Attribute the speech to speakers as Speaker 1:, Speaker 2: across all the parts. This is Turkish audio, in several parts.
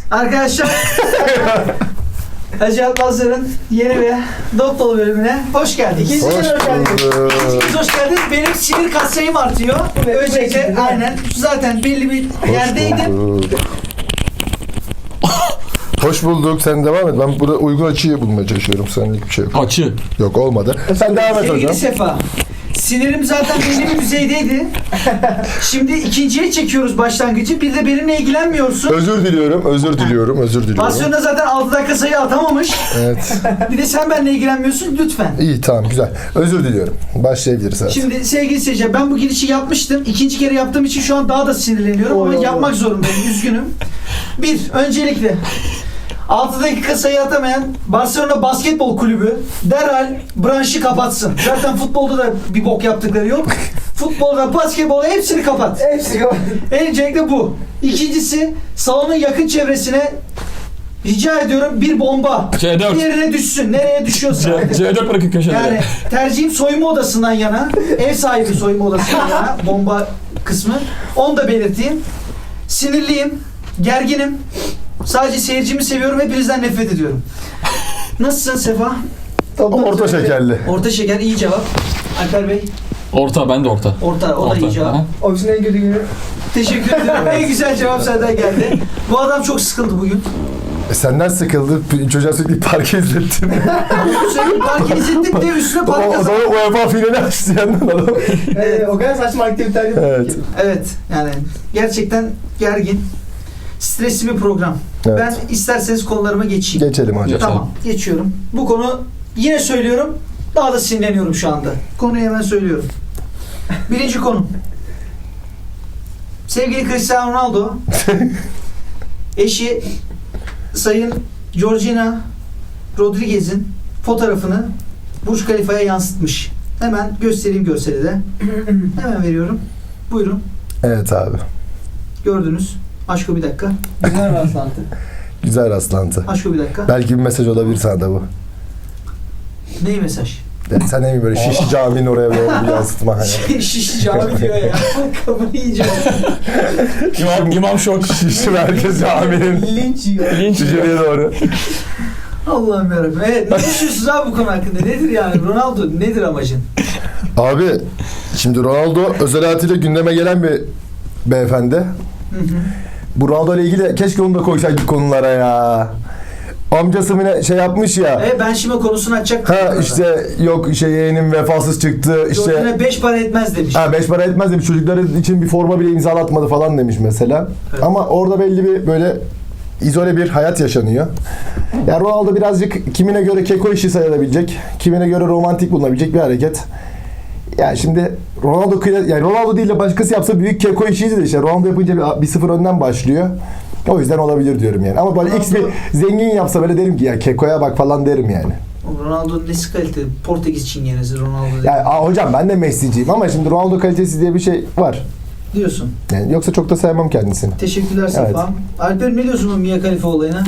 Speaker 1: Arkadaşlar Hacı Atmazlar'ın yeni ve dop dolu bölümüne hoş geldiniz.
Speaker 2: İkinci kez hoş geldiniz.
Speaker 1: İkinciniz hoş geldiniz. Benim sinir katsayım artıyor. Öncelikle aynen zaten belli bir yerdeydim.
Speaker 2: Hoş bulduk. Sen devam et. Ben burada uygun açıyı bulmaya çalışıyorum. Senlik bir şey yok.
Speaker 3: Açı.
Speaker 2: Yok olmadı. Sen devam et
Speaker 1: Sevgili
Speaker 2: hocam.
Speaker 1: Sefa, sinirim zaten belli bir düzeydeydi. Şimdi ikinciye çekiyoruz başlangıcı. Bir de benimle ilgilenmiyorsun.
Speaker 2: Özür diliyorum.
Speaker 1: Barcelona zaten 6 dakika sayı atamamış.
Speaker 2: Evet.
Speaker 1: Bir de sen benimle ilgilenmiyorsun lütfen.
Speaker 2: İyi tamam güzel. Özür diliyorum. Başlayabiliriz artık.
Speaker 1: Şimdi sevgili seyirciler, ben bu girişi yapmıştım. İkinci kere yaptığım için şu an daha da sinirleniyorum ama yapmak zorundayım. Üzgünüm. Öncelikle 6 dakika sayı atamayan Barcelona Basketbol Kulübü derhal branşı kapatsın. Zaten futbolda da bir bok yaptıkları yok. Futbolda, basketbolda hepsini kapat.
Speaker 4: Hepsi kapat.
Speaker 1: Öncelikle bu. İkincisi, salonun yakın çevresine rica ediyorum bir bomba.
Speaker 3: C4.
Speaker 1: Yerine düşsün. Nereye düşüyorsa.
Speaker 3: C4 bırakın köşelere.
Speaker 1: Yani tercihim soyunma odasından yana. Ev sahibi soyunma odasından yana. Bomba kısmı. Onu da belirteyim. Sinirliyim. Gerginim. Sadece seyircimi seviyorum. Hepinizden nefret ediyorum. Nasılsın Sefa?
Speaker 2: Orta şekerli.
Speaker 1: Orta şeker. iyi cevap. Alper Bey.
Speaker 3: Orta, ben de orta.
Speaker 1: Orta. O da iyi cevap.
Speaker 3: Aha.
Speaker 4: Ofisin en kötü günü.
Speaker 1: Teşekkür ederim. En güzel cevap senden geldi. Bu adam çok sıkıldı bugün.
Speaker 2: Senden sıkıldı. Çocuğa sürekli parke izlettin.
Speaker 1: Sürekli park izlettik de üstüne
Speaker 2: o
Speaker 1: park kazandık.
Speaker 2: zaman UEFA finali açtı yandan adam.
Speaker 4: O kadar saçma aktiviteler yapıyor
Speaker 2: Evet.
Speaker 4: ki.
Speaker 1: Evet. Yani gerçekten gergin. Stresli bir program.
Speaker 2: Evet.
Speaker 1: Ben isterseniz konularıma geçeyim.
Speaker 2: Geçelim hocam.
Speaker 1: Tamam. Geçiyorum. Bu konu yine söylüyorum. Daha da sinirleniyorum şu anda. Konuyu hemen söylüyorum. Birinci konu. Sevgili Cristiano Ronaldo eşi Sayın Georgina Rodriguez'in fotoğrafını Burj Khalifa'ya yansıtmış. Hemen göstereyim görseli de. Hemen veriyorum. Buyurun.
Speaker 2: Evet abi.
Speaker 1: Gördünüz. Aşko bir dakika.
Speaker 4: Güzel rastlantı.
Speaker 2: Güzel rastlantı.
Speaker 1: Aşko bir dakika.
Speaker 2: Belki bir mesaj olabilir sana da bu.
Speaker 1: Ney mesaj?
Speaker 2: Yani sen ne mi böyle Şişli Camii'nin oraya böyle bir yansıtma hani.
Speaker 1: Şiş cami diyor ya. Kafayı yiyeceğim.
Speaker 3: İmam şok.
Speaker 2: Şişli Merkez Camii'nin
Speaker 4: Linç yiyor.
Speaker 3: Linç.
Speaker 2: içeriye doğru.
Speaker 1: Allah'ım yarabbim. Evet, ne düşünüyorsunuz abi bu konu hakkında? Nedir yani? Ronaldo nedir amacın?
Speaker 2: Abi şimdi Ronaldo özel hayatıyla gündeme gelen bir beyefendi.
Speaker 1: Hı hı.
Speaker 2: Bu Ronaldo ile ilgili keşke onu da koysaydık konulara ya. Amcası mı ne şey yapmış ya.
Speaker 1: Ben şimdi konusunu açacaktım.
Speaker 2: Ha işte yok yeğenim vefasız çıktı işte.
Speaker 1: Gördüğüne 5 para etmez demiş.
Speaker 2: Ha 5 para etmez demiş. Çocukları için bir forma bile imzalatmadı falan demiş mesela.
Speaker 1: Evet.
Speaker 2: Ama orada belli bir böyle izole bir hayat yaşanıyor. Yani Ronaldo birazcık kimine göre keko işi sayılabilecek, kimine göre romantik bulunabilecek bir hareket. Yani şimdi Ronaldo değil de başkası yapsa büyük keko işiydi de işte Ronaldo yapınca bir sıfır önden başlıyor. O yüzden olabilir diyorum yani. Ama böyle X bir zengin yapsa böyle derim ki ya kekoya bak falan derim yani.
Speaker 1: Ronaldo'nun nesi kaliteli? Portekiz çingenesi Ronaldo
Speaker 2: Yani hocam ben de Messi'ciyim ama şimdi Ronaldo kalitesi diye bir şey var.
Speaker 1: diyorsun.
Speaker 2: Yani yoksa çok da sevmem kendisini.
Speaker 1: Teşekkürler Sefa.
Speaker 2: Evet.
Speaker 1: Alper ne diyorsun bu Mia Khalifa olayına?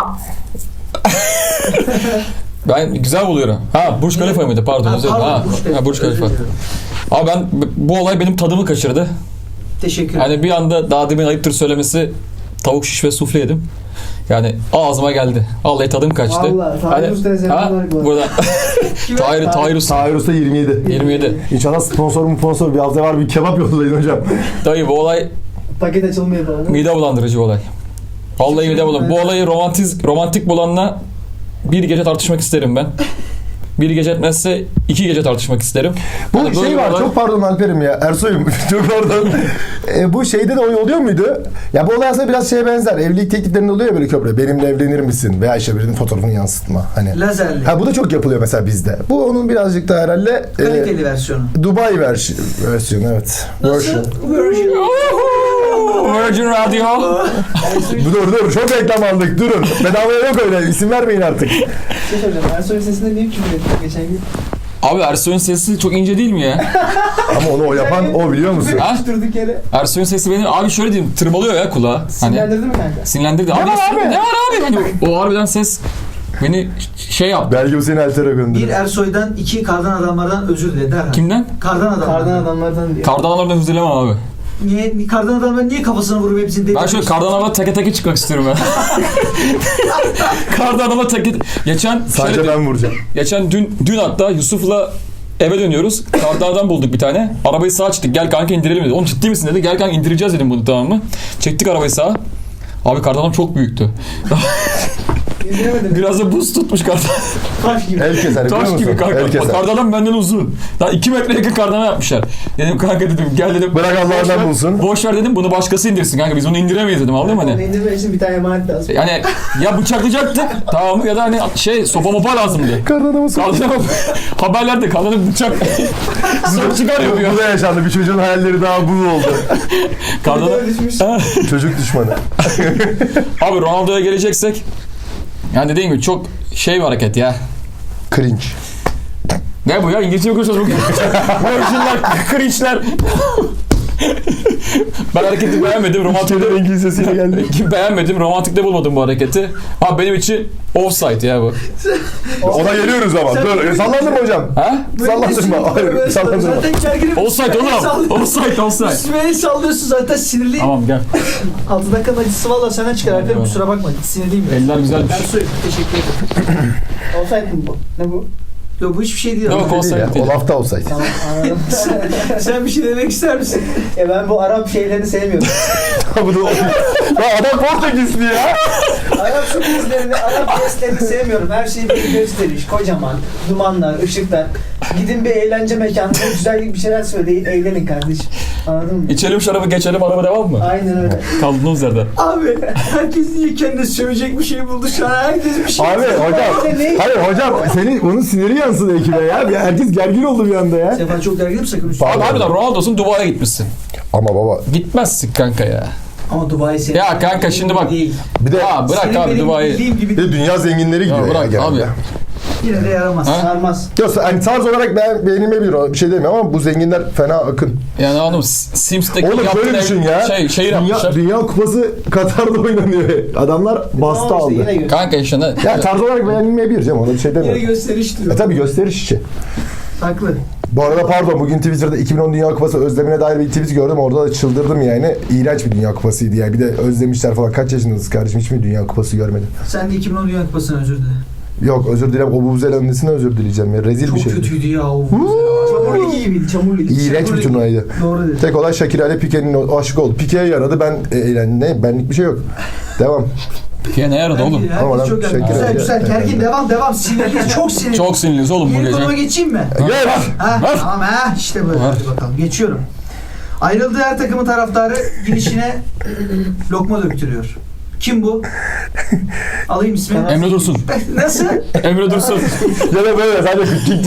Speaker 3: Ben güzel buluyorum. Ha Burj Khalifa mıydı? Pardon. Özür dilerim. Burj Khalifa.
Speaker 1: Özür dilerim.
Speaker 3: Abi bu olay benim tadımı kaçırdı.
Speaker 1: Teşekkür ederim.
Speaker 3: Hani bir anda daha demin ayıptır söylemesi tavuk şiş ve sufle yedim. Yani ağzıma geldi. Vallahi tadım kaçtı.
Speaker 4: Vallahi Tahir Usta'ya selamlar bu arada.
Speaker 3: Burada Tahir Usta.
Speaker 2: Tahir Usta 27.
Speaker 3: 27.
Speaker 2: İnşallah sponsor bir hafta var bir kebap yollayın hocam.
Speaker 3: Dayı bu olay
Speaker 4: Paket açılmıyor falan.
Speaker 3: mide bulandırıcı olay. Vallahi mide bulandırıcı. Bu olayı romantik bulanla bir gece tartışmak isterim ben. Bir gece etmezse 2 gece tartışmak isterim.
Speaker 2: Bu
Speaker 3: Hani böyle
Speaker 2: şey var
Speaker 3: olay-
Speaker 2: çok pardon Alper'im ya Ersoy'um çok pardon. Bu şeyde de oluyor muydu? Ya bu olay aslında biraz şeye benzer. Evlilik tekliflerinde oluyor ya böyle köprü. Benimle evlenir misin? Veya işte birinin fotoğrafını yansıtma. Hani.
Speaker 1: Lazerli.
Speaker 2: Ha bu da çok yapılıyor mesela bizde. Bu onun birazcık da herhalde
Speaker 1: Kaliteli versiyonu.
Speaker 2: Dubai versiyonu evet. Version.
Speaker 1: Version.
Speaker 3: Virgin Radio.
Speaker 2: Dur çok reklam aldık durun. Bedavaya yok öyle isim vermeyin artık.
Speaker 4: Şey soracağım. Ersoy'un sesinde niye küfür ettin geçen gün?
Speaker 3: Abi Ersoy'un sesi çok ince değil mi ya?
Speaker 2: Ama onu o yapan o biliyor musun?
Speaker 3: Ha?
Speaker 4: Durduk yere.
Speaker 3: Ersoy'un sesi benim abi şöyle diyeyim tırmalıyor ya kulağa. Hani
Speaker 4: Sinirlendirdi mi kanka?
Speaker 3: sinirlendirdi. Abi,
Speaker 2: var abi?
Speaker 3: ne var abi? Hani o harbiden ses beni şey yaptı.
Speaker 2: Belki bu seni Alter'e
Speaker 1: Bir
Speaker 2: gönderir.
Speaker 1: Ersoy'dan 2 kardan adamlardan özür dile derhal.
Speaker 3: Kimden?
Speaker 1: Kardan adamlardan.
Speaker 4: Kardan adamlardan diyor.
Speaker 3: Kardanlardan özür dilemem abi.
Speaker 1: Niye? Kardan adamlar niye kafasına vurup hepsini
Speaker 3: Ben şöyle kardan adamla teke teke çıkmak istiyorum ben. Kardan adamla teke... Geçen...
Speaker 2: Sadece
Speaker 3: şöyle-
Speaker 2: ben vuracağım.
Speaker 3: Geçen dün hatta Yusuf'la eve dönüyoruz. Kardan adam bulduk bir tane. Arabayı sağa çektik. Gel kanka indirelim dedi. Oğlum ciddi misin dedi. Gel kanka indireceğiz dedim bunu, tamam mı? Çektik arabayı sağa. Abi kardan adam çok büyüktü.
Speaker 4: İndiremedim.
Speaker 3: Biraz da buz tutmuş kardan.
Speaker 4: Taş gibi.
Speaker 2: El keser biliyor
Speaker 3: Taş
Speaker 2: musun?
Speaker 3: gibi kanka.
Speaker 2: El keser.
Speaker 3: Kardan adam benden uzun. Daha 2 metre yakın kardan yapmışlar. Dedim kanka dedim gel dedim.
Speaker 2: Bırak Allah'ından
Speaker 3: boş ver-
Speaker 2: bulsun.
Speaker 3: Boş ver dedim, bunu başkası indirsin kanka. Biz bunu indiremeyiz dedim, anladın mı
Speaker 4: Onu
Speaker 3: hani?
Speaker 4: indirmek için bir tane emanet lazım.
Speaker 3: Yani ya bıçaklayacaktık tamam mı, ya da hani sopa mopa lazımdı.
Speaker 2: Kardan adamı sok.
Speaker 3: Kardan adam haberlerde kadının bıçak sonra çıkarıyor ya.
Speaker 2: Bu da yaşandı. Bir çocuğun hayalleri daha bu oldu.
Speaker 3: Kardan
Speaker 4: Böyle düşmüş.
Speaker 2: Çocuk düşmanı.
Speaker 3: Abi Ronaldo'ya geleceksek yani dediğim gibi çok bir hareket ya.
Speaker 2: Cringe.
Speaker 3: Ne bu ya? İngilizce mi konuşuyoruz bugün? Virginler, cringe'ler. Ben hareketi beğenmedim. Romantik de
Speaker 2: İngilizcesiyle geldi.
Speaker 3: beğenmedim. Romantik de bulmadım bu hareketi. Abi benim için offside ya bu.
Speaker 2: Ona geliyoruz ama.
Speaker 1: Sen-
Speaker 2: Dur. Sallandırma hocam.
Speaker 3: Ha?
Speaker 2: Sallandırma. Hayır, sallandırma.
Speaker 1: Zaten gerginim.
Speaker 3: Offside oğlum. Offside.
Speaker 1: Üstüme el sallıyorsun zaten sinirliyim.
Speaker 3: Tamam gel.
Speaker 1: 6 dakikanın acısı valla senden çıkar Alper,
Speaker 3: Eyvallah.
Speaker 1: kusura bakma sinirliyim biraz.
Speaker 3: Eller güzelmiş.
Speaker 1: Ersoy teşekkür ederim.
Speaker 4: Olsaydı mı bu? Ne bu?
Speaker 1: Yok bu hiçbir şey değil.
Speaker 3: Yok,
Speaker 1: ama.
Speaker 3: olsaydı.
Speaker 2: Değil ya.
Speaker 3: değil.
Speaker 2: O lafta olsaydı.
Speaker 4: Tamam anladım.
Speaker 1: Sen bir şey demek ister misin?
Speaker 4: Ben bu Arap şeylerini sevmiyorum.
Speaker 2: Bu da Lan adam Portekizli ya.
Speaker 4: Arap sürprizlerini, Arap jestlerini sevmiyorum. Her şey bir gösteriş, kocaman, dumanlar, ışıklar. Gidin bir eğlence mekanında güzel bir şeyler söyleyin, eğlenin kardeşim. Anladın mı?
Speaker 3: İçelim şarabı geçelim, araba devam mı?
Speaker 4: Aynen öyle.
Speaker 3: Kaldığımız yerden.
Speaker 1: Abi herkes niye kendine sövecek bir şey buldu şu an? Herkes bir şey
Speaker 2: Abi hocam. Hayır hocam. Onun siniri yansıdı ekibe ya. Herkes gergin oldu bir anda ya.
Speaker 1: Sefa çok gerginim sakın.
Speaker 3: Abi harbiden Ronaldo'sun, Dubai'ye gitmişsin.
Speaker 2: Ama baba.
Speaker 3: Gitmezsin kanka ya.
Speaker 1: Ama Dubai senin.
Speaker 3: Ya kanka şimdi bak.
Speaker 1: Değil.
Speaker 2: Bir de
Speaker 3: Ha bırak
Speaker 1: Senin
Speaker 3: abi
Speaker 1: benim
Speaker 3: Dubai'yi.
Speaker 1: bildiğim gibi
Speaker 2: bir de dünya zenginleri gidiyor ya,
Speaker 3: bırak
Speaker 2: genelde.
Speaker 3: abi.
Speaker 1: yine de yaramaz.
Speaker 3: Ha?
Speaker 4: Sarmaz.
Speaker 2: Yok hani tarz olarak beğenilmeyebilir o, bir şey demiyorum ama bu zenginler fena akın.
Speaker 3: Yani anladım, Sims'teki
Speaker 2: Oğlum
Speaker 3: yaptığın
Speaker 2: şöyle düşün ya.
Speaker 3: şehir yapmışlar.
Speaker 2: Dünya kupası Katar'da oynanıyor. Adamlar bastı
Speaker 4: Tamam
Speaker 2: aldı.
Speaker 4: işte, yine gör.
Speaker 3: Kanka işte ne?
Speaker 2: Ya tarz olarak beğenilmeyebilir canım, ona bir şey
Speaker 1: Yine
Speaker 2: demiyorum.
Speaker 1: gösteriş diyor.
Speaker 2: Tabii gösteriş işi.
Speaker 1: Haklı.
Speaker 2: Bu arada pardon, bugün Twitter'da 2010 Dünya Kupası özlemine dair bir tweet gördüm. Orada da çıldırdım yani. İğrenç bir Dünya Kupasıydı ya. Bir de özlemişler falan. Kaç yaşındasınız kardeşim? Hiç mi Dünya Kupası görmedin?
Speaker 1: Sen de 2010 Dünya Kupası'na özür dile.
Speaker 2: Yok özür dilerim. O Bubuzela'nın nesine özür dileyeceğim ya. Rezil
Speaker 1: Çok
Speaker 2: bir şeydi.
Speaker 1: kötüydü ya o.
Speaker 4: Çamur ligi gibiydi, çamur ligi.
Speaker 2: İğrenç bir turnuvaydı.
Speaker 1: Doğru dedi.
Speaker 2: Tek olay Shakira ile Pique'nin aşık oldu. Pique'ye yaradı. Ben eğlendim. Ne? Benlik bir şey yok. Devam.
Speaker 3: Ki ne yaradı oğlum?
Speaker 1: Herkes
Speaker 2: Ama lan
Speaker 1: çok gergin.
Speaker 2: Şakir
Speaker 1: Güzel
Speaker 2: abi-
Speaker 1: güzel gergin. Devam. Sinirli. Çok sinirli.
Speaker 3: Çok sinirliyiz oğlum bu
Speaker 1: Yeni konuma
Speaker 3: gece.
Speaker 1: geçeyim mi?
Speaker 2: Gel.
Speaker 1: Ha,
Speaker 3: Ver.
Speaker 1: tamam ha işte böyle.
Speaker 3: Ver.
Speaker 1: Hadi bakalım. Geçiyorum. Ayrıldığı her takımın taraftarı girişine lokma döktürüyor. Kim bu? Alayım ismini.
Speaker 3: Emre Dursun.
Speaker 1: Nasıl?
Speaker 3: Emre Dursun.
Speaker 2: Ya da böyle sadece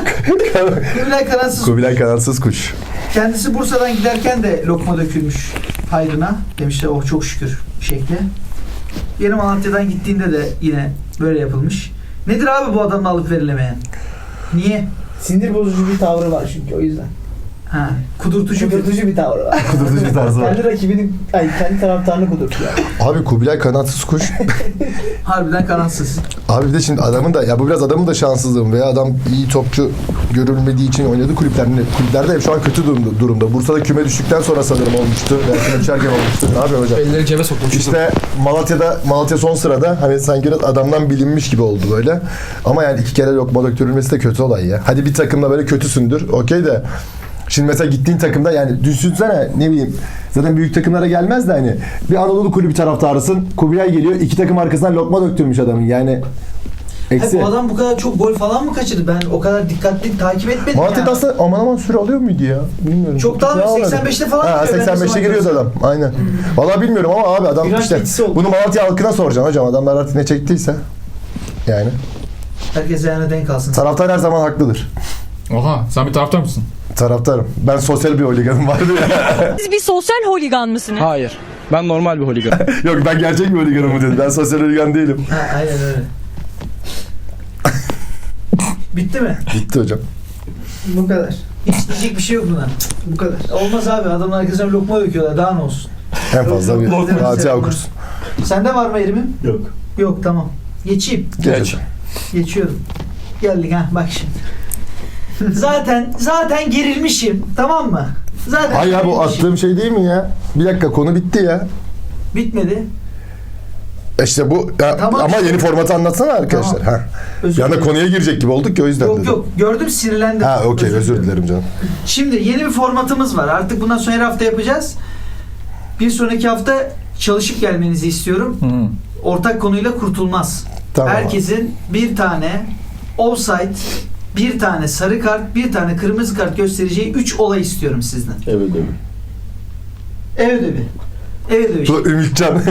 Speaker 1: Kubilay Karansız.
Speaker 2: Kubilay kanatsız kuş.
Speaker 1: Kendisi Bursa'dan giderken de lokma dökülmüş hayrına. Demişler oh çok şükür şekli. Yeni Malatya'dan gittiğinde de yine böyle yapılmış. Nedir abi bu adamla alıp verilemeyen? Niye?
Speaker 4: Sinir bozucu bir tavrı var çünkü o yüzden.
Speaker 1: Ha, kudurtucu bir.
Speaker 4: Kudurtucu bir tavrı var.
Speaker 2: Kudurtucu bir tarzı var.
Speaker 4: Kendi rakibinin, kendi taraftarını kudurtuyor.
Speaker 2: Abi Kubilay kanatsız kuş.
Speaker 1: Harbiden kanatsız.
Speaker 2: Abi bir de şimdi adamın da ya bu biraz adamın da şanssızlığı veya adam iyi topçu görülmediği için oynadı kulüplerde hep şu an kötü durumda. Bursa'da küme düştükten sonra sanırım olmuştu. Veya küme düşerken olmuştu. Ne yapıyor hocam?
Speaker 3: Elleri cebe soktum.
Speaker 2: İşte Malatya son sırada hani sanki biraz adamdan bilinmiş gibi oldu böyle. Ama yani 2 kere lokma döktürülmesi de kötü olay ya. Hadi bir takımda böyle kötüsündür. Okey de şimdi mesela gittiğin takımda yani düşünsene ne bileyim zaten büyük takımlara gelmez de hani bir Anadolu kulübü taraftarısın. Kubilay geliyor 2 takım arkasından lokma döktürmüş adamın yani. Eksi.
Speaker 1: Bu adam bu kadar çok gol falan mı kaçırdı? Ben o kadar dikkatli takip etmedim
Speaker 2: Malatya'da
Speaker 1: ya.
Speaker 2: aslında aman süre alıyor muydu ya? Bilmiyorum.
Speaker 1: Çok daha
Speaker 2: Ne almadı?
Speaker 1: 85'te falan
Speaker 2: Ha,
Speaker 1: giriyor. Ben
Speaker 2: 85'te
Speaker 1: ne
Speaker 2: giriyordu
Speaker 1: zaman
Speaker 2: adam. Aynen. Vallahi bilmiyorum ama abi adam
Speaker 4: Biraz
Speaker 2: işte
Speaker 4: etkisi oldu.
Speaker 2: bunu Malatya halkına soracaksın hocam. Adamlar artık ne çektiyse. Yani.
Speaker 1: Herkes ayağına denk alsın.
Speaker 2: Taraftar her zaman haklıdır.
Speaker 3: Oha, sen bir taraftar mısın?
Speaker 2: Taraftarım. Ben sosyal bir holiganım vardı ya.
Speaker 5: Siz bir sosyal holigan mısınız?
Speaker 6: Hayır. Ben normal bir holigan.
Speaker 2: Yok ben gerçek bir holiganım dedim. Ben sosyal holigan değilim.
Speaker 1: Ha, aynen öyle. Bitti mi?
Speaker 2: Gitti hocam.
Speaker 4: Bu kadar.
Speaker 1: Hiç diyecek bir şey yok buna.
Speaker 4: Bu kadar.
Speaker 1: Olmaz abi. Adamın arkasına lokma döküyorlar. Daha ne olsun?
Speaker 2: En fazla bir
Speaker 1: Lokma.
Speaker 2: Fatiha okursun.
Speaker 1: Sende var mı Erim'im?
Speaker 2: Yok.
Speaker 1: Yok tamam. Geçeyim.
Speaker 2: Geç.
Speaker 1: Geçiyorum. Geldik ha bak şimdi. Zaten gerilmişim tamam mı? Zaten
Speaker 2: Hayır ya bu attığım şey değil mi ya? Bir dakika konu bitti ya.
Speaker 1: bitmedi.
Speaker 2: İşte bu ya,
Speaker 1: Tamam.
Speaker 2: ama yeni formatı anlatsana arkadaşlar.
Speaker 1: Tamam.
Speaker 2: Ha.
Speaker 1: Özür
Speaker 2: Bir anda
Speaker 1: dilerim.
Speaker 2: konuya girecek gibi olduk ki o yüzden
Speaker 1: Yok
Speaker 2: dedim.
Speaker 1: yok gördüm sinirlendim.
Speaker 2: Ha okey özür dilerim canım.
Speaker 1: Şimdi yeni bir formatımız var. Artık bundan sonra her hafta yapacağız. Bir sonraki hafta çalışıp gelmenizi istiyorum.
Speaker 3: Hı.
Speaker 1: Ortak konuyla kurtulmaz.
Speaker 2: Tamam.
Speaker 1: Herkesin bir tane offside, bir tane sarı kart, bir tane kırmızı kart göstereceği 3 olay istiyorum sizden.
Speaker 7: Evet evet.
Speaker 1: Ev ödevi. Ev ödevi.
Speaker 2: Bu Ümitcan.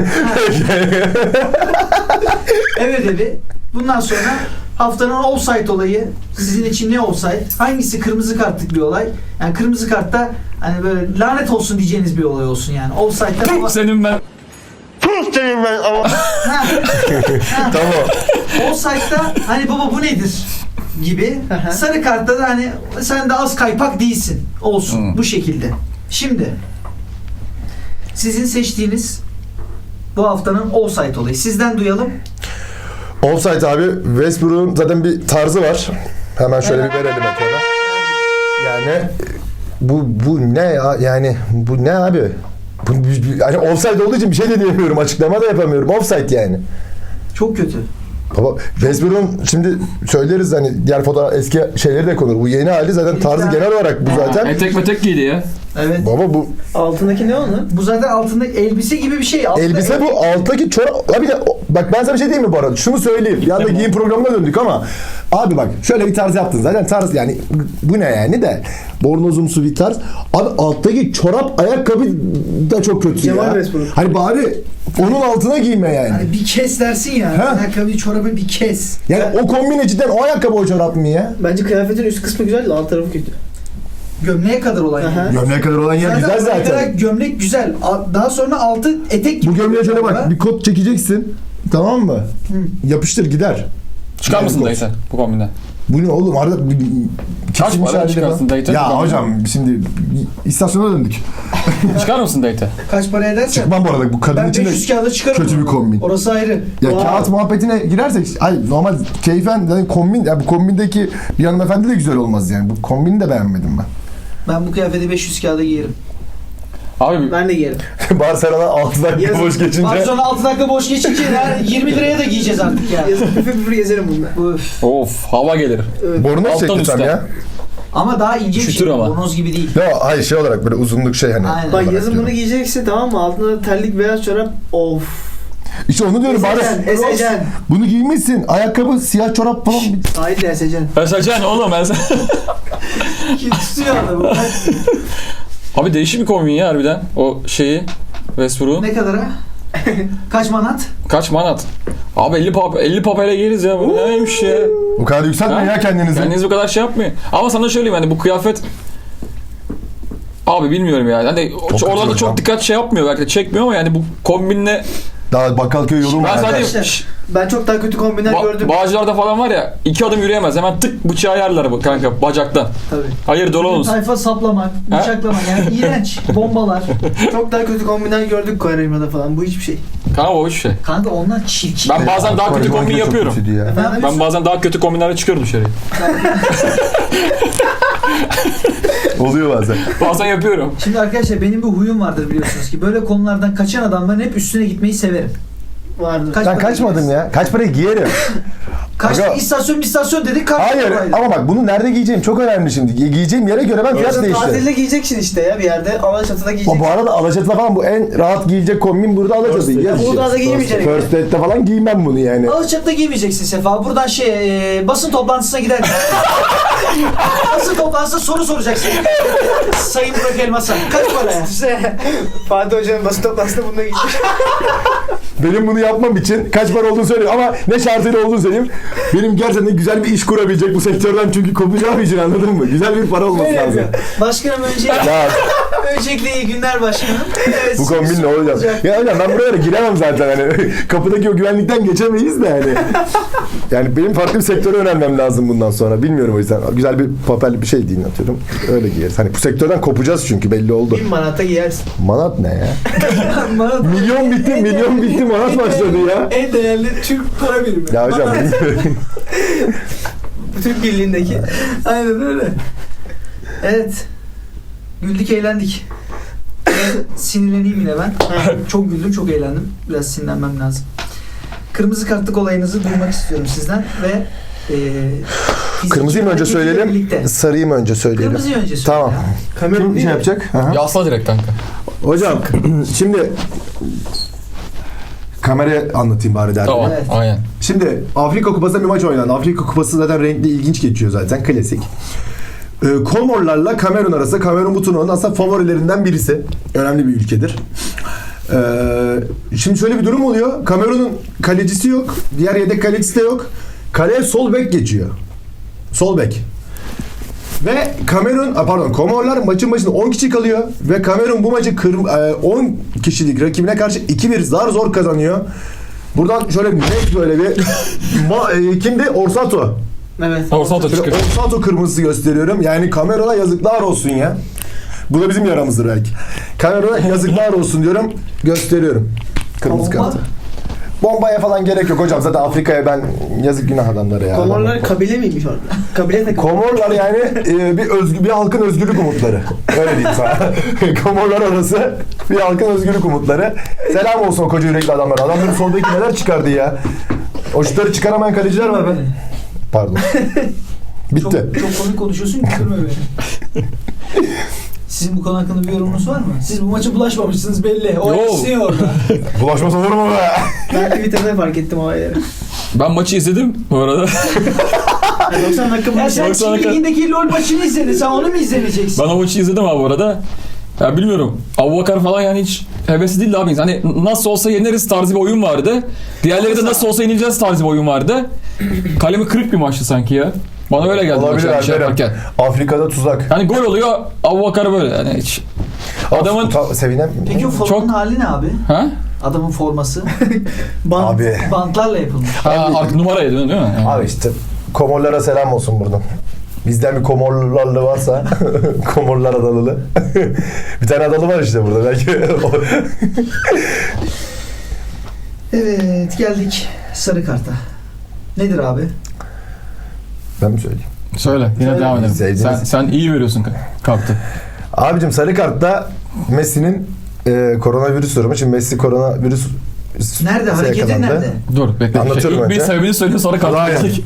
Speaker 1: Ev ödevi. Bundan sonra haftanın offside olayı sizin için ne offside? Hangisi kırmızı kartlık bir olay? Yani kırmızı kartta hani böyle lanet olsun diyeceğiniz bir olay olsun yani. Offside'da baba...
Speaker 3: Senin ben.
Speaker 2: Tamam.
Speaker 1: Offside'da hani baba bu nedir gibi. Sarı kartta da hani sen de az kaypak değilsin. Olsun bu şekilde. Şimdi sizin seçtiğiniz bu haftanın offside olayı. Sizden duyalım.
Speaker 2: Offside abi Westbrook'un zaten bir tarzı var. Hemen şöyle bir verelim ekrana. Yani bu ne ya? Yani bu ne abi? Yani offside olduğu için bir şey de diyemiyorum. Açıklama da yapamıyorum. Offside yani.
Speaker 1: Çok kötü.
Speaker 2: Baba Westbrook'un şimdi söyleriz hani diğer fotoğraf eski şeyleri de konur. Bu yeni hali zaten tarzı genel olarak bu zaten.
Speaker 3: Etek metek giydi ya.
Speaker 1: Evet.
Speaker 2: Baba bu
Speaker 4: Altındaki ne onun?
Speaker 1: Bu zaten altındaki elbise gibi bir şey. Altında
Speaker 2: elbise bu alttaki çorap. Abi de bak ben sana bir şey diyeyim mi bu arada? Şunu söyleyeyim. Bir anda giyim programına döndük ama abi bak şöyle bir tarz yaptın. Zaten tarz yani bu ne yani de bornozumsu bir tarz. Abi alttaki çorap ayakkabı da çok kötü
Speaker 4: Cemal
Speaker 2: ya.
Speaker 4: Westbrook.
Speaker 2: Hani bari onun altına giyme yani.
Speaker 1: Hani bir kes dersin ya.
Speaker 2: Ha?
Speaker 1: Ayakkabıyı çorabı bir kes.
Speaker 2: Yani o kombine cidden o ayakkabı o çorap mı ya?
Speaker 4: Bence kıyafetin üst kısmı güzel de alt tarafı kötü.
Speaker 1: Gömleğe kadar olan
Speaker 4: Aha.
Speaker 1: yani.
Speaker 2: Gömleğe kadar olan yer güzel
Speaker 1: oraya
Speaker 2: zaten.
Speaker 1: kadar gömlek güzel. Daha sonra altı etek gibi.
Speaker 2: Bu gömleğe şöyle bak bir kot çekeceksin. Tamam mı? Yapıştır gider.
Speaker 3: Çıkar mısın dayı sen bu kombinden?
Speaker 2: Bu ne oğlum? Arada
Speaker 3: Kaç
Speaker 2: kesilmiş
Speaker 3: para
Speaker 2: halde
Speaker 3: çıkarsın
Speaker 2: falan.
Speaker 3: dayı?
Speaker 2: Ya hocam şimdi istasyona döndük.
Speaker 3: Çıkar mısın dayı?
Speaker 1: Kaç para edersen.
Speaker 2: Çıkmam bu arada bu kadın
Speaker 1: Ben
Speaker 2: için
Speaker 1: 500
Speaker 2: de
Speaker 1: kağıda çıkarım.
Speaker 2: kötü bir kombin.
Speaker 1: Orası ayrı.
Speaker 2: Ya
Speaker 1: Vay.
Speaker 2: kağıt muhabbetine girersek ay normal keyfen yani kombin ya bu kombindeki bir hanımefendi de güzel olmaz yani. Bu kombini de beğenmedim ben.
Speaker 1: Ben bu kıyafeti 500 kağıda giyerim.
Speaker 3: Abi
Speaker 4: Ben de giyerim.
Speaker 2: Barcelona 6 dakika
Speaker 4: Yazın.
Speaker 2: boş geçince.
Speaker 1: Bak sonra 6 dakika boş geçince ya 20 liraya da giyeceğiz artık ya.
Speaker 4: Yazın püfür püfür gezerim bununla.
Speaker 1: Üf.
Speaker 3: of hava gelir.
Speaker 4: Evet.
Speaker 2: Bornoz
Speaker 3: Alttan
Speaker 2: çekti tam
Speaker 3: üstten.
Speaker 2: ya.
Speaker 1: Ama daha ince bir
Speaker 3: Üşütür
Speaker 1: şey.
Speaker 3: ama.
Speaker 1: Bornoz gibi değil.
Speaker 2: Ya hayır şey olarak böyle uzunluk şey hani.
Speaker 1: Aynen.
Speaker 4: Bak
Speaker 2: olarak
Speaker 4: yazın
Speaker 2: diyorum.
Speaker 4: bunu giyeceksin tamam mı? Altında da terlik beyaz çorap. Of.
Speaker 2: İşte onu diyorum bari.
Speaker 4: Esecen.
Speaker 2: Bunu giymişsin. Ayakkabı, siyah çorap falan.
Speaker 4: Hayır de esecen.
Speaker 3: Esacan oğlum ben
Speaker 1: Kim tutuyor adamı?
Speaker 3: Abi değişik bir kombin ya harbiden. O şeyi Westbrook'un.
Speaker 1: Ne kadar ha? Kaç manat?
Speaker 3: Kaç manat? Abi 50 papele yeriz ya. Bu neymiş ya?
Speaker 2: Bu kadar yükseltmeyin
Speaker 3: Ha?
Speaker 2: ya kendinizi.
Speaker 3: Kendiniz bu kadar şey yapmayın. Ama sana söyleyeyim hani bu kıyafet abi bilmiyorum yani. Hani
Speaker 2: kötü
Speaker 3: orada da
Speaker 2: hocam.
Speaker 3: çok dikkat şey yapmıyor belki de çekmiyor ama yani bu kombinle
Speaker 2: Daha Bakkalköy yolu mu?
Speaker 3: ben
Speaker 2: var?
Speaker 3: sadece
Speaker 1: Arkadaşlar.
Speaker 4: Ben çok daha kötü kombinler gördüm.
Speaker 3: Bağcılar'da falan var ya 2 adım yürüyemez. Hemen tık bıçağı yerler bu kanka bacaktan.
Speaker 4: Tabii.
Speaker 3: Hayır dolu olsun.
Speaker 1: Tayfa saplamak, bıçaklamak yani iğrenç. Bombalar.
Speaker 4: Çok daha kötü kombinler gördük Kore'ymada falan. Bu hiçbir şey.
Speaker 3: Kanka o hiçbir şey.
Speaker 1: Kanka onlar çirkin.
Speaker 3: Ben bazen daha kötü
Speaker 2: Bakkalköy
Speaker 3: kombin
Speaker 2: çok
Speaker 3: yapıyorum.
Speaker 2: kötüydü ya.
Speaker 3: Ben bazen daha kötü kombinlerle çıkıyorum dışarıya.
Speaker 2: Oluyor bazen.
Speaker 3: Bazen yapıyorum.
Speaker 1: Şimdi arkadaşlar benim bir huyum vardır biliyorsunuz ki. Böyle konulardan kaçan adamların hep üstüne gitmeyi severim.
Speaker 4: Vardı.
Speaker 1: Kaç
Speaker 2: Ben
Speaker 1: para
Speaker 2: kaçmadım
Speaker 1: giyeriz?
Speaker 2: ya. Kaç parayı giyerim.
Speaker 1: Kaç
Speaker 2: Aga.
Speaker 1: istasyon dedik. Kaç
Speaker 2: Hayır
Speaker 1: paraydı?
Speaker 2: ama bak bunu nerede giyeceğim çok önemli şimdi. Giyeceğim yere göre ben fiyat
Speaker 4: Yazın
Speaker 2: değiştiririm.
Speaker 4: tatilde giyeceksin işte ya bir yerde. Alaçatı'da giyeceksin.
Speaker 2: Bu arada Alaçatı'da falan bu en rahat giyilecek kombin burada Alaçatı. Yaz işi.
Speaker 4: Uludağ'da giymeyeceksin.
Speaker 2: First Date'de falan giymem bunu yani.
Speaker 1: Alaçatı'da giymeyeceksin Sefa. Buradan basın toplantısına gider. Basın toplantısında soru soracaksın. Sayın Burak Elmas'a. Kaç paraya?
Speaker 4: İşte Fatih Hoca'nın basın toplantısında bununla giyecek.
Speaker 2: Benim bunu yapmam için kaç para olduğunu söyleyeyim ama ne şartıyla olduğunu söyleyeyim. Benim gerçekten güzel bir iş kurabilecek bu sektörden çünkü kopacağım için anladın mı? Güzel bir para olması lazım.
Speaker 1: Başkanım
Speaker 2: Ya
Speaker 1: öncelikle iyi günler başkanım. Evet,
Speaker 2: bu kombin ne olacak? Ya hocam ben buralara giremem zaten hani kapıdaki o güvenlikten geçemeyiz de hani. Yani benim farklı bir sektöre yönelmem lazım bundan sonra. Bilmiyorum o yüzden. Güzel bir papel bir şey deyin atıyorum. Öyle giyeriz. Hani bu sektörden kopacağız çünkü belli oldu.
Speaker 4: 1000 manata giyersin.
Speaker 2: Manat ne ya?
Speaker 1: Bana da-
Speaker 2: milyon bitti manat başladı ya.
Speaker 1: En değerli Türk para birimi.
Speaker 2: Ya hocam bilmiyorum.
Speaker 4: Türk Birliği'ndeki.
Speaker 1: Aynen öyle. Evet. Güldük eğlendik. Sinirleneyim yine ben. Çok güldüm, çok eğlendim. Biraz sinirlenmem lazım. Kırmızı kartlık olayınızı duymak istiyorum sizden ve fiziki
Speaker 2: Kırmızıyı mı önce
Speaker 1: hareketiyle
Speaker 2: söyleyelim,
Speaker 1: birlikte.
Speaker 2: sarıyı mı önce söyleyelim?
Speaker 1: Kırmızıyı önce söyle.
Speaker 2: Tamam.
Speaker 1: ya.
Speaker 2: Kim şey yapacak? Aha.
Speaker 3: Yasla direkt kanka.
Speaker 2: Hocam şimdi kameraya anlatayım bari derdim.
Speaker 3: Tamam.
Speaker 1: Evet.
Speaker 3: Aynen.
Speaker 2: Şimdi Afrika Kupası'nda bir maç oynandı. Afrika Kupası zaten renkli, ilginç geçiyor zaten. Klasik. Komorlarla Kamerun arasında. Kamerun bu turnuvanın aslında favorilerinden birisi. Önemli bir ülkedir. Şimdi şöyle bir durum oluyor. Kamerun'un kalecisi yok. Diğer yedek kalecisi de yok. Kaleye sol bek geçiyor. Sol bek. Ve Komorlar maçın başında 10 kişi kalıyor. Ve Kamerun bu maçı 10 kişilik rakibine karşı 2-1 zor kazanıyor. Buradan şöyle net böyle bir kimdi? Orsato.
Speaker 1: Evet.
Speaker 3: Orsato çıkıyor.
Speaker 2: Orsato kırmızısı gösteriyorum. Yani Kamerun'a yazıklar olsun ya. Bu da bizim yaramızdır belki. Kamerun'a yazıklar olsun diyorum. Gösteriyorum. Kırmızı
Speaker 1: Bomba?
Speaker 2: kartı. Bombaya falan gerek yok hocam. Zaten Afrika'ya ben yazık günah adamları ya.
Speaker 4: Komorlar kabile miymiş orada? Kabile takımı.
Speaker 2: Komorlar yani bir halkın özgürlük umutları. Öyle diyeyim sana. Komorlar arası bir halkın özgürlük umutları. Selam olsun o koca yürekli adamlara. Adamların soldaki neler çıkardı ya. O şutları çıkaramayan kaleciler var be. Pardon. Bitti.
Speaker 1: Çok komik konuşuyorsun, güldürme beni. Sizin bu konu hakkında bir yorumunuz var mı? Siz bu maça bulaşmamışsınız belli. O
Speaker 3: Yo.
Speaker 1: esniyor orada.
Speaker 2: Bulaşmaz olur mu be?
Speaker 4: Ben Twitter'da fark ettim olayları.
Speaker 3: Ben maçı izledim bu arada.
Speaker 4: 90 dakika
Speaker 1: Ya
Speaker 4: maç.
Speaker 1: sen
Speaker 3: Baksana
Speaker 1: Çin
Speaker 3: kadar-
Speaker 1: Ligi'ndeki LoL maçını izledin. Sen onu mu izleyeceksin?
Speaker 3: Ben o maçı izledim abi bu arada. Ya bilmiyorum. Abubakar falan yani hiç hevesli değildi abi. Hani nasıl olsa yeneriz tarzı bir oyun vardı. Diğerleri de nasıl olsa yenileceğiz tarzı bir oyun vardı. Kalemi kırık bir maçtı sanki ya. Bana öyle geldi maç
Speaker 2: Olabilir
Speaker 3: yani şey
Speaker 2: Alper'im.
Speaker 3: yaparken.
Speaker 2: Afrika'da tuzak.
Speaker 3: Yani gol oluyor Abubakar böyle yani hiç. Adamın...
Speaker 2: Sevinem.
Speaker 1: Peki o formanın
Speaker 3: Çok-
Speaker 1: hali ne abi?
Speaker 3: Ha?
Speaker 1: Adamın forması.
Speaker 2: Abi.
Speaker 1: Bantlarla yapılmış.
Speaker 3: Ha artık numaraya dönüyor değil mi? Yani.
Speaker 2: Abi işte Komorlara selam olsun buradan. Bizden bir Komorlarlı varsa Komorlar adalılı. Bir tane adalı var işte burada belki.
Speaker 1: Evet, geldik sarı karta. Nedir abi?
Speaker 2: Ben mi söyleyeyim?
Speaker 3: Söyle yine
Speaker 1: Söyle.
Speaker 3: devam edelim.
Speaker 2: Sevdiğiniz-
Speaker 3: Sen iyi veriyorsun kartı.
Speaker 2: Abicim sarı kartta Messi'nin koronavirüs durumu. Şimdi Messi koronavirüs
Speaker 1: Nerede? Hareketin
Speaker 2: yakalandı.
Speaker 1: nerede?
Speaker 3: Dur bekle.
Speaker 2: Anlatıyorum
Speaker 3: İlk bir
Speaker 2: önce.
Speaker 3: sebebini söyle sonra kartı
Speaker 2: Aynen.
Speaker 3: verecek.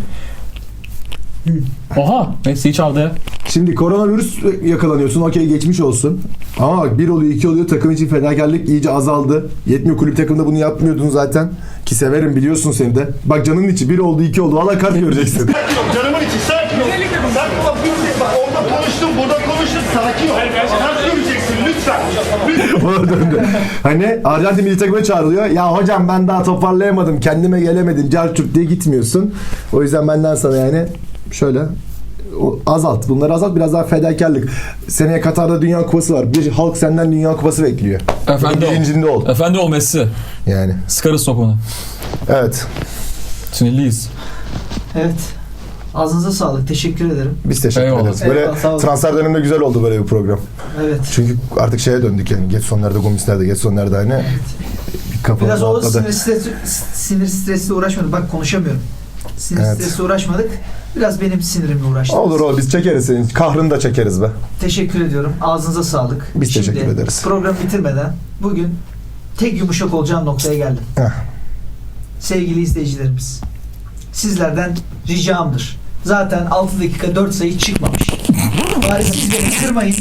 Speaker 3: Oha Messi'yi çaldı ya.
Speaker 2: Şimdi koronavirüs yakalanıyorsun. Okey geçmiş olsun. Ama bak 1 oluyor 2 oluyor. Takım için fedakarlık iyice azaldı. Yetmiyor, kulüp takımında bunu yapmıyordun zaten. Ki severim biliyorsun seni de. Bak canının içi 1 oldu 2 oldu. Valla kart göreceksin.
Speaker 7: Canımın içi sakin ol. Sakin ol. Bak orada konuştum, burada konuştum. Sakin ol. Sen göreceksin lütfen.
Speaker 2: Ona döndü. Hani Arjantin milli takımına çağrılıyor. Ya hocam ben daha toparlayamadım. Kendime gelemedim. Carçurt diye gitmiyorsun. O yüzden benden sana yani şöyle azalt. Bunları azalt. Biraz daha fedakarlık. Seneye Katar'da Dünya Kupası var. Bir halk senden Dünya Kupası bekliyor.
Speaker 3: Efendi ol.
Speaker 2: Birincinde ol.
Speaker 3: Efendi ol Messi.
Speaker 2: Yani.
Speaker 3: Sıkarız topunu.
Speaker 2: Evet.
Speaker 3: Sinirliyiz.
Speaker 1: Evet. Ağzınıza sağlık. Teşekkür ederim.
Speaker 2: Biz teşekkür
Speaker 3: Eyvallah.
Speaker 2: ederiz. Böyle
Speaker 1: Eyvallah, sağ olun.
Speaker 2: transfer döneminde güzel oldu böyle bir program.
Speaker 1: Evet.
Speaker 2: Çünkü artık şeye döndük yani. Getson nerede, Gomis nerede, Getson nerede hani. Bir kafa
Speaker 1: Biraz o
Speaker 2: atladı.
Speaker 1: sinir stresle uğraşmadık. Bak konuşamıyorum. Sinir
Speaker 2: Evet.
Speaker 1: stresle uğraşmadık. Biraz benim sinirimle uğraştık.
Speaker 2: Olur biz çekeriz senin. Kahrını da çekeriz be.
Speaker 1: Teşekkür ediyorum. Ağzınıza sağlık.
Speaker 2: Biz
Speaker 1: Şimdi,
Speaker 2: teşekkür ederiz.
Speaker 1: Programı bitirmeden bugün tek yumuşak olacağım noktaya geldim.
Speaker 2: Heh.
Speaker 1: Sevgili izleyicilerimiz, sizlerden ricamdır. Zaten 6 dakika 4 sayı çıkmamış. Bari siz beni kırmayın.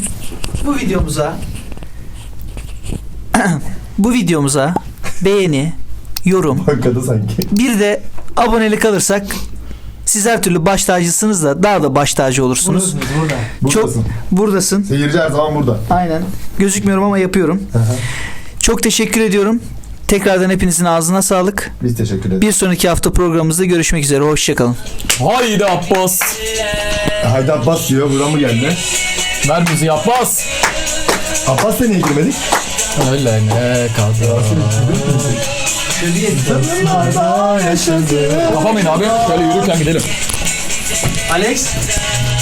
Speaker 1: Bu videomuza beğeni, yorum,
Speaker 2: Hakikaten sanki.
Speaker 1: bir de abonelik alırsak siz her türlü baş tacısınız da daha da baş tacı olursunuz. Çok
Speaker 2: Buradasın.
Speaker 1: buradasın.
Speaker 2: Seyirci her zaman burada.
Speaker 1: Aynen. Gözükmüyorum ama yapıyorum. Çok teşekkür ediyorum. Tekrardan hepinizin ağzına sağlık.
Speaker 2: Biz teşekkür ederiz.
Speaker 1: Bir sonraki hafta programımızda görüşmek üzere. Hoşçakalın.
Speaker 3: Haydi Abbas.
Speaker 2: Haydi Abbas diyor. Buradan mı geldi?
Speaker 3: Ver bizi Abbas.
Speaker 2: Abbas'la niye girmedik?
Speaker 3: Öyle ne kadar. Kapamayın abi. Şöyle yürürken gidelim.
Speaker 1: Alex.